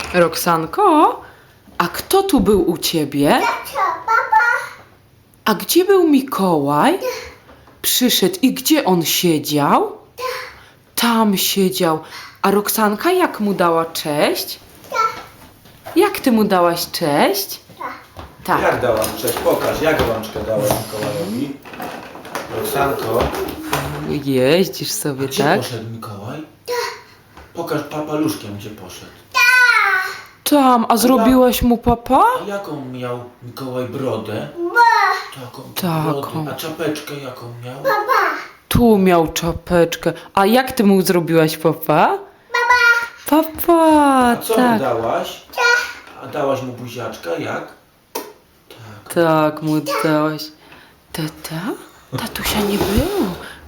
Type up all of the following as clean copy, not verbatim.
Roxanko, a kto tu był u ciebie? Papa. A gdzie był Mikołaj? Przyszedł i gdzie on siedział? Tam siedział. A Roxanka jak mu dała cześć? Jak ty mu dałaś cześć? Tak. Jak dałam cześć? Pokaż, jak rączkę dałam Mikołajowi. Roxanko, Jeździsz sobie, gdzie tak? poszedł Mikołaj? Pokaż papaluszkiem, gdzie poszedł. Tam, a zrobiłaś mu papa? A jaką miał Mikołaj brodę? Taką Taką. brodę. A czapeczkę jaką miał? Tu miał czapeczkę. A jak ty mu zrobiłaś papa? Papa, A co mu tak. dałaś? A dałaś mu buziaczka, jak? Tak. Tak mu dałaś. Tata? Tatusia nie było.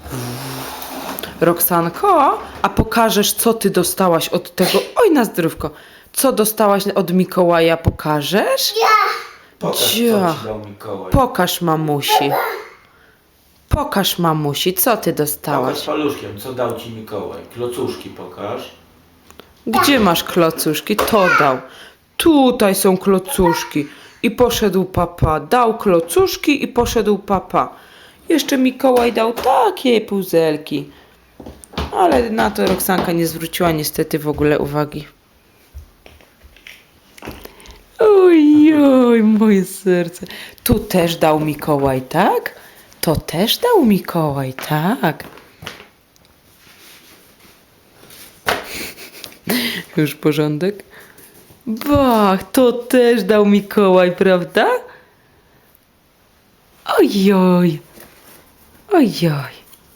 Roxanko, a pokażesz, co ty dostałaś od tego? Oj, na zdrówko. Co dostałaś od Mikołaja, pokażesz? Pokaż, co ci Dzia. dał Mikołaj. Pokaż mamusi. Pokaż mamusi, co ty Pokaż dostałaś? paluszkiem, co dał ci Mikołaj. Klocuszki pokaż. Gdzie masz klocuszki? To dał. Tutaj są klocuszki. I poszedł papa. Dał klocuszki i poszedł papa. Jeszcze Mikołaj dał takie puzelki. Ale na to Roxanka nie zwróciła niestety w ogóle uwagi. Oj, oj, moje serce. Tu też dał Mikołaj, tak? To też dał Mikołaj, tak. Już porządek? Bach, to też dał Mikołaj, prawda? Ojoj. Ojoj.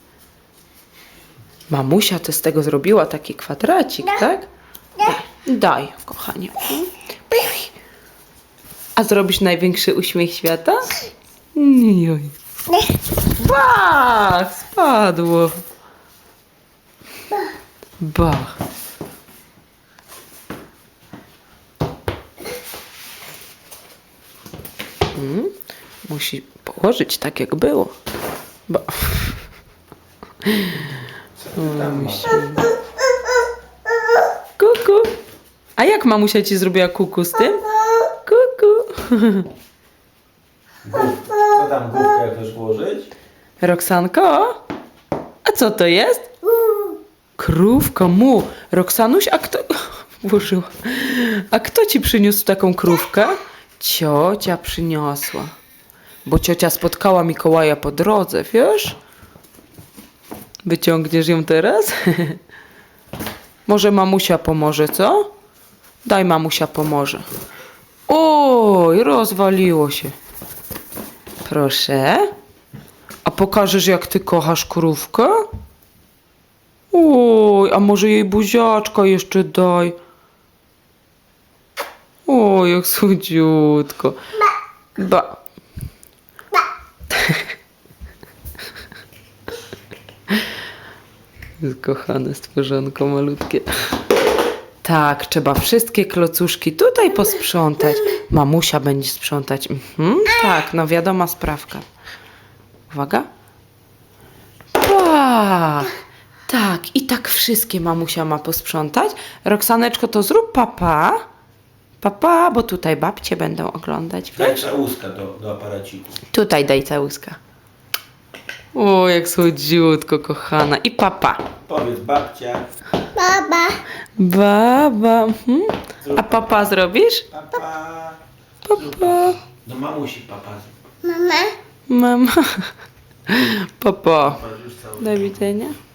Mamusia to z tego zrobiła taki kwadracik, tak? Daj, kochanie. A zrobisz największy uśmiech świata? Ojoj. Bach, spadło. Bach. Musi położyć tak, jak było. Bo... Kuku. A jak mamusia ci zrobiła kuku z tym? Kuku. Co tam główkę chcesz włożyć? Roxanko? A co to jest? Krówka mu. Roxanuś, a kto... Włożyła. A kto ci przyniósł taką krówkę? Ciocia przyniosła. Bo ciocia spotkała Mikołaja po drodze, wiesz? Wyciągniesz ją teraz? Może mamusia pomoże, co? Daj, mamusia pomoże. Oj, rozwaliło się. Proszę. A pokażesz, jak ty kochasz krówkę? Oj, a może jej buziaczka jeszcze daj. Oj, jak słodziutko. Ba. Kochane stworzonko malutkie. Tak, trzeba wszystkie klocuszki tutaj posprzątać. Mamusia będzie sprzątać. Tak, no wiadoma sprawka. Uwaga. Pach. Tak, i tak wszystkie mamusia ma posprzątać. Roxaneczko, to zrób papa. Papa, bo tutaj babcie będą oglądać. Daj całuska do aparaciku. Tutaj daj całuska. O, jak słodziutko, kochana. I papa. Powiedz babcia. Baba. Baba. A papa zrobisz? Papa. Papa. Do mamusi papa. Mama. Mama. Papa. Papa już cały. Do widzenia.